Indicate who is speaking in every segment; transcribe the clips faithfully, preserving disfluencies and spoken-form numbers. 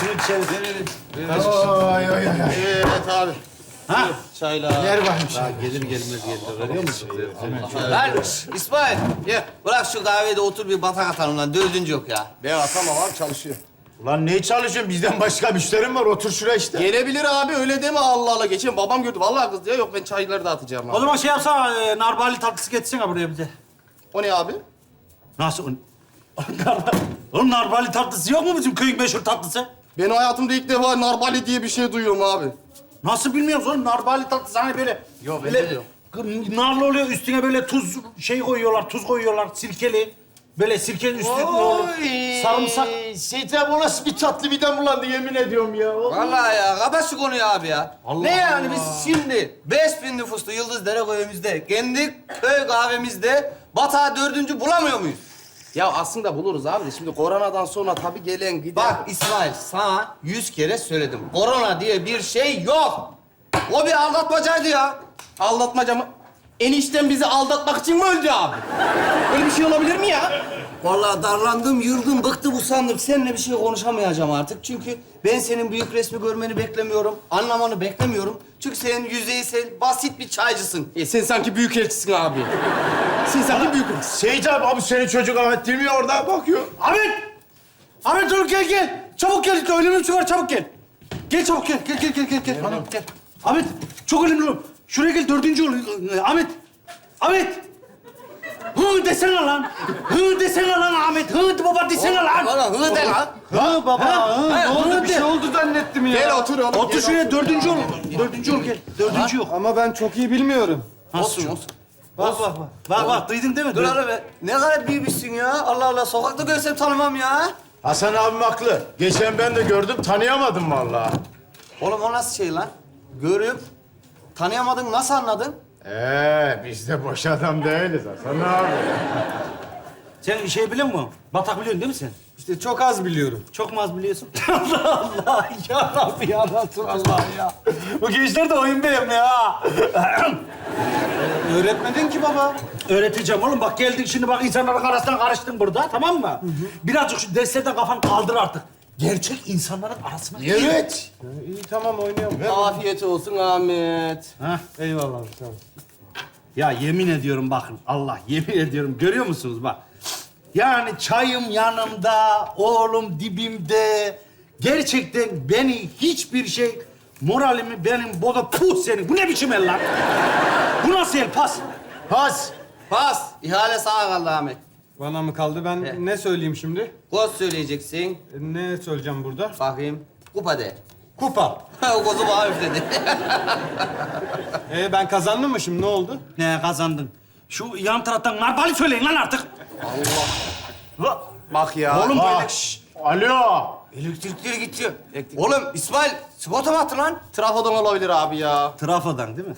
Speaker 1: şunu içeriz.
Speaker 2: Oy oy oy.
Speaker 3: Evet abi.
Speaker 1: Ha?
Speaker 3: Çaylar.
Speaker 2: Yer varmış.
Speaker 1: Daha gelir gelmez geldi. Veriyor musun?
Speaker 4: Lan İsmail.
Speaker 3: Ye.
Speaker 4: Bırak şu kahvede otur bir batak atalım lan. Dördüncü yok ya.
Speaker 3: Ben atamam abi çalışıyor.
Speaker 2: Ulan ne çalışıyorsun? Bizden başka müşterim var. Otur şuraya işte.
Speaker 3: Gelebilir abi öyle deme Allah Allah. Geçen babam gördü. Vallahi kız diyor. Yok ben çayları dağıtacağım
Speaker 1: O
Speaker 3: abi.
Speaker 1: zaman şey yapsana, e, narbali tatlısı getirsene buraya bize.
Speaker 3: O ne abi?
Speaker 1: Nasıl? o- Narbali- Oğlum narbali tatlısı yok mu bizim köyün meşhur tatlısı?
Speaker 3: Ben hayatımda ilk defa narbali diye bir şey duyuyorum abi.
Speaker 1: Nasıl bilmiyoruz oğlum? Narbali tatlısı hani böyle...
Speaker 4: Yok,
Speaker 1: böyle
Speaker 4: bende de yok.
Speaker 1: k- narlı oluyor, üstüne böyle tuz şey koyuyorlar, tuz koyuyorlar, sirkeli. Böyle sirkenin üstüne ne olur? Sarımsak.
Speaker 2: Seyit o nasıl bir tatlı midem bulandı yemin ediyorum ya.
Speaker 4: Vallahi ya kapat şu konuyu abi ya.
Speaker 1: Allah
Speaker 4: ne yani
Speaker 1: Allah.
Speaker 4: biz şimdi beş bin nüfuslu Yıldız köyümüzde, kendi köy kahvemizde batağı dördüncü bulamıyor muyuz?
Speaker 3: Ya aslında buluruz abi de şimdi koronadan sonra tabii gelen giden...
Speaker 4: Bak İsmail sana yüz kere söyledim. Korona diye bir şey yok. O bir aldatmacaydı ya.
Speaker 3: Aldatmaca mı? Enişten bizi aldatmak için mi öldü abi? Öyle bir şey olabilir mi ya?
Speaker 4: Vallahi darlandım, yıldım, bıktım, usandım. Seninle bir şey konuşamayacağım artık. Çünkü ben senin büyük resmi görmeni beklemiyorum. Anlamanı beklemiyorum. Çünkü sen yüzeysel, basit bir çaycısın.
Speaker 3: E sen sanki büyük elçisin abi. Sen sanki büyük elçisin.
Speaker 2: Seyit abi, abi senin çocuk Ahmet değil mi ya? Orada bakıyor.
Speaker 1: Ahmet! Ahmet dur gel gel. Çabuk gel. Önemli bir şey var çabuk gel. Gel çabuk gel. Gel gel gel gel. gel. Bana gel. Ahmet çok önemli. Şuraya gel dördüncü ol. Ahmet. Ahmet. Hı desene lan. Hı desene lan Ahmet. Hı baba desene lan.
Speaker 4: Valla hı de lan.
Speaker 1: Hı baba. Hı,
Speaker 4: ne oldu? Bir şey
Speaker 1: oldu zannettim ya.
Speaker 3: Gel otur oğlum.
Speaker 1: Otur
Speaker 3: gel
Speaker 1: şuraya dördüncü ol. Dördüncü ol gel. Dördüncü yok.
Speaker 5: Ama ben çok iyi bilmiyorum.
Speaker 4: Olsun, olsun.
Speaker 1: Bak bak bak. Bak bak duydun değil mi?
Speaker 4: Dur hele be. Ne kadar büyümüşsün ya. Allah Allah. Sokakta görsem tanımam ya.
Speaker 2: Hasan abim haklı. Geçen ben de gördüm, tanıyamadım vallahi.
Speaker 4: Oğlum o nasıl şey lan? Görüp tanıyamadın, nasıl anladın?
Speaker 2: Ee, biz de boş adam değiliz Hasan abi.
Speaker 1: Sen şey biliyor musun? Batak biliyorsun değil mi sen?
Speaker 5: İşte çok az biliyorum.
Speaker 1: Çok mu az biliyorsun? Allah Allah ya Rabbi ya Resulallah ya. Bu gençler de oyun benim ya.
Speaker 5: Öğretmedin ki baba.
Speaker 1: Öğreteceğim oğlum. Bak geldin şimdi bak insanların arasından karıştın burada tamam mı? Birazcık şu derslerden kafanı kaldır artık. Gerçek insanların arasına gir.
Speaker 2: Evet.
Speaker 5: İyi tamam oynuyorum.
Speaker 3: Afiyet olsun Ahmet.
Speaker 1: Hah eyvallah tamam. Ya yemin ediyorum bakın Allah yemin ediyorum görüyor musunuz bak. Yani çayım yanımda, oğlum dibimde. Gerçekten beni hiçbir şey moralimi benim boda puh senin. Bu ne biçim el lan? Bu nasıl el pas?
Speaker 2: Pas.
Speaker 4: Pas. İhale sağa kaldı Ahmet.
Speaker 5: Bana mı kaldı? Ben
Speaker 4: Evet.
Speaker 5: ne söyleyeyim şimdi?
Speaker 4: Koz söyleyeceksin.
Speaker 5: E, Ne söyleyeceğim burada?
Speaker 4: Bakayım. Kupa de.
Speaker 5: Kupa.
Speaker 4: o kozu bana üfledi.
Speaker 5: Ee, ben kazandım mı şimdi? Ne oldu?
Speaker 1: Ne kazandın? Şu yan taraftan narbali söyleyin lan artık. Allah.
Speaker 3: Bak ya.
Speaker 1: Oğlum böyle...
Speaker 2: Bak. Alo.
Speaker 4: Elektrikleri gidiyor. Oğlum İsmail sigorta mı attı lan?
Speaker 3: Trafodan olabilir abi ya.
Speaker 1: Trafodan değil mi?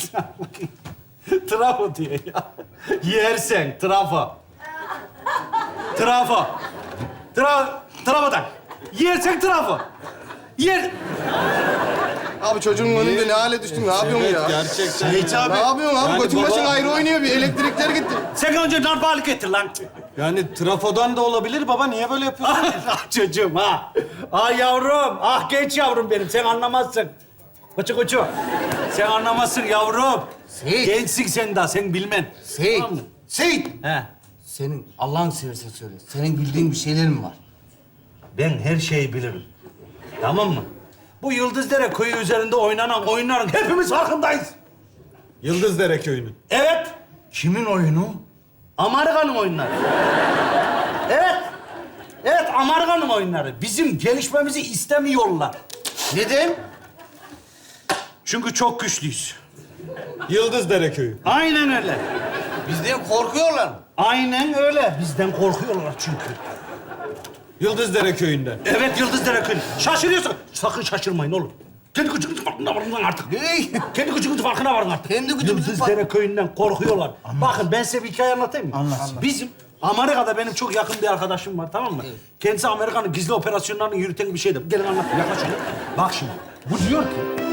Speaker 1: Trafo diyor ya. Yersen trafo. Trafo. Tra trafodan. Yersen trafo. Yer...
Speaker 3: Abi çocuğun önünde ne hale düştün? Ne yapıyorsun
Speaker 5: Evet,
Speaker 3: ya?
Speaker 5: gerçekten.
Speaker 2: Seyit abi.
Speaker 3: Ne yapıyorsun abi?
Speaker 5: Yani
Speaker 3: Götün
Speaker 5: baba-
Speaker 3: başın ayrı oynuyor. Bir elektrikler gitti.
Speaker 1: Sen önce narbali getir lan.
Speaker 5: Yani trafodan da olabilir baba. Niye böyle yapıyorsun?
Speaker 1: Ah çocuğum ha. Ah yavrum. Ah genç yavrum benim. Sen anlamazsın. Koçu koçu. Sen anlamazsın yavrum.
Speaker 4: Seyit.
Speaker 1: Gençsin sen daha. Sen bilmen.
Speaker 4: Seyit.
Speaker 1: Tamam mı?
Speaker 4: Seyit.
Speaker 1: He.
Speaker 4: Senin Allah'ını seversen söyle. Senin bildiğin bir şeyler mi var?
Speaker 1: Ben her şeyi bilirim. Tamam mı? Bu Yıldızdere köyü üzerinde oynanan oyunların hepimiz farkındayız.
Speaker 5: Yıldızdere köyünün.
Speaker 1: Evet. Kimin oyunu? Amerika'nın oyunları. Evet. Evet, Amerika'nın oyunları. Bizim gelişmemizi istemiyorlar.
Speaker 4: Neden?
Speaker 1: Çünkü çok güçlüyüz.
Speaker 5: Yıldızdere köyü.
Speaker 1: Aynen öyle.
Speaker 4: Bizden korkuyorlar.
Speaker 1: Aynen öyle. Bizden korkuyorlar çünkü.
Speaker 5: Yıldızdere köyünden.
Speaker 1: Evet, Yıldızdere köyü. Şaşırıyorsun. Sakın şaşırmayın oğlum. Kendi gücünüzün farkına varın lan artık.
Speaker 4: Hey!
Speaker 1: Kendi gücünüzün farkına varın artık.
Speaker 4: Kendi gücümüzün
Speaker 1: Yıldızdere köyünden korkuyorlar. Bakın ben size bir hikaye anlatayım mı? Anlat. Bizim Amerika'da benim çok yakın bir arkadaşım var tamam mı? Kendisi Amerika'nın gizli operasyonlarını yürüten bir şeydi. Gelin anlatayım yaklaşın. Bak şimdi. Bu diyor ki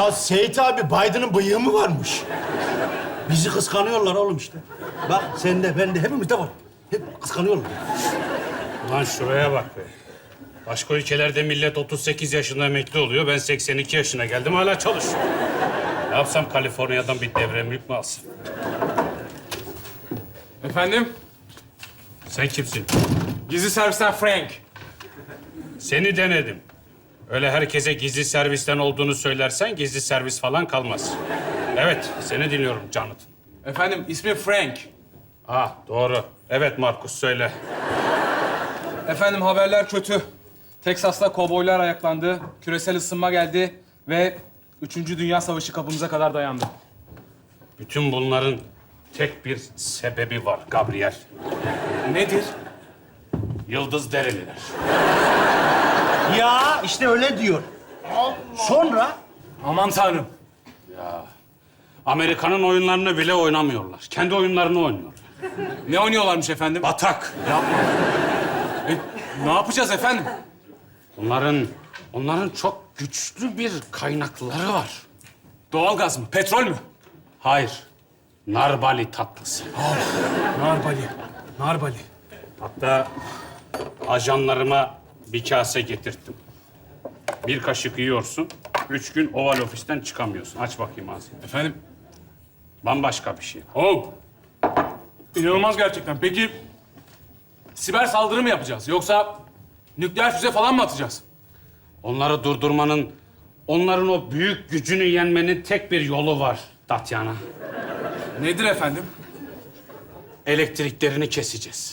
Speaker 2: Ya Seyit abi Biden'ın bıyığı mı varmış?
Speaker 1: Bizi kıskanıyorlar oğlum işte. Bak sende, bende, hepimizde var. Hep kıskanıyorlar.
Speaker 6: Lan şuraya bak be. Başka ülkelerde millet otuz sekiz yaşında emekli oluyor. Ben seksen iki yaşına geldim hala çalışıyorum. Ne yapsam Kaliforniya'dan bir devre mülk mü alsam?
Speaker 7: Efendim?
Speaker 6: Sen kimsin?
Speaker 7: Gizli servisten Frank.
Speaker 6: Seni denedim. Öyle herkese gizli servisten olduğunu söylersen gizli servis falan kalmaz. Evet, seni dinliyorum Jonathan.
Speaker 7: Efendim ismi Frank.
Speaker 6: Ha, doğru. Evet Markus, söyle.
Speaker 7: Efendim haberler kötü. Teksas'ta kovboylar ayaklandı, küresel ısınma geldi ve Üçüncü Dünya Savaşı kapımıza kadar dayandı.
Speaker 6: Bütün bunların tek bir sebebi var Gabriel.
Speaker 7: Nedir?
Speaker 6: Yıldız dereliler.
Speaker 1: Ya işte öyle diyor. Sonra
Speaker 7: Aman tanrım.
Speaker 6: Amerika'nın oyunlarını bile oynamıyorlar. Kendi oyunlarını oynuyorlar.
Speaker 7: Ne oynuyorlarmış efendim?
Speaker 6: Batak.
Speaker 7: E, ne yapacağız efendim?
Speaker 6: Onların, onların çok güçlü bir kaynakları var.
Speaker 7: Doğalgaz mı? Petrol mü?
Speaker 6: Hayır, narbali tatlısı.
Speaker 7: Narbali. Narbali.
Speaker 6: Hatta ajanlarıma bir kase getirttim. Bir kaşık yiyorsun, üç gün Oval Ofis'ten çıkamıyorsun. Aç bakayım ağzını.
Speaker 7: Efendim
Speaker 6: Bambaşka bir şey. Oh!
Speaker 7: inanılmaz gerçekten. Peki siber saldırı mı yapacağız? Yoksa nükleer füze falan mı atacağız?
Speaker 6: Onları durdurmanın, onların o büyük gücünü yenmenin tek bir yolu var Tatyana.
Speaker 7: Nedir efendim?
Speaker 6: Elektriklerini keseceğiz.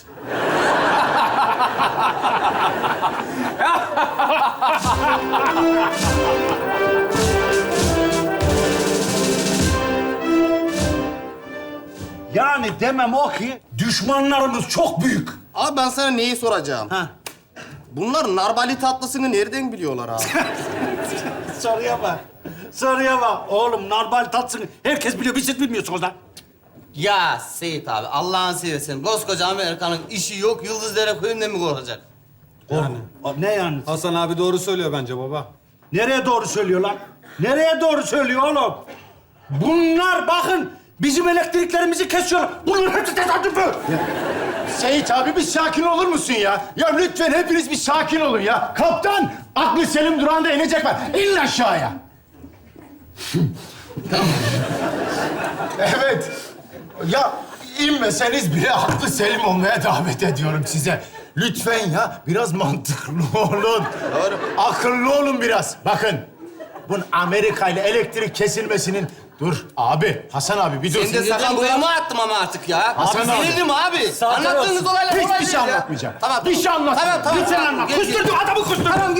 Speaker 1: yani demem o ki düşmanlarımız çok büyük.
Speaker 3: Abi ben sana neyi soracağım?
Speaker 1: Ha.
Speaker 3: Bunlar narbali tatlısını nereden biliyorlar abi?
Speaker 1: Soruya bak. Soruya bak. Oğlum normal tatsın. Herkes biliyor. Biz siz bilmiyorsunuz lan.
Speaker 4: Ya Seyit abi Allah'ını seversen koskoca Amerika'nın işi yok Yıldızdere köyünden mi korkacak?
Speaker 1: Yani. Ne yani?
Speaker 5: Hasan abi doğru söylüyor bence baba.
Speaker 1: Nereye doğru söylüyor lan? Nereye doğru söylüyor oğlum? Bunlar bakın bizim elektriklerimizi kesiyorlar. Bunların hepsi tesadüfü.
Speaker 2: Seyit abi bir sakin olur musun ya? Ya lütfen hepiniz bir sakin olun ya. Kaptan aklı selim durağında inecek var. İnin aşağıya. Evet. Ya inmeseniz bile aklı selim olmaya davet ediyorum size. Lütfen ya biraz mantıklı olun.
Speaker 3: Doğru.
Speaker 2: Akıllı olun biraz. Bakın. Bunun Amerika ile elektrik kesilmesinin... Dur abi, Hasan abi bir dur.
Speaker 4: Sen de sakın boyama attım ama artık ya.
Speaker 2: Hasan
Speaker 4: abi.
Speaker 2: abi.
Speaker 4: Sinirdim abi. Anlattığınız olaylar
Speaker 2: Hiçbir
Speaker 4: olay
Speaker 2: şey
Speaker 4: değil ya.
Speaker 2: anlatmayacağım.
Speaker 4: Tamam,
Speaker 2: Bir şey anlatmayacağım.
Speaker 4: Tamam, tamam.
Speaker 1: Lütfen
Speaker 4: tamam.
Speaker 1: anlat.
Speaker 4: Gel, gel.
Speaker 1: Kusturdum adamı kusturdum.
Speaker 4: Tamam,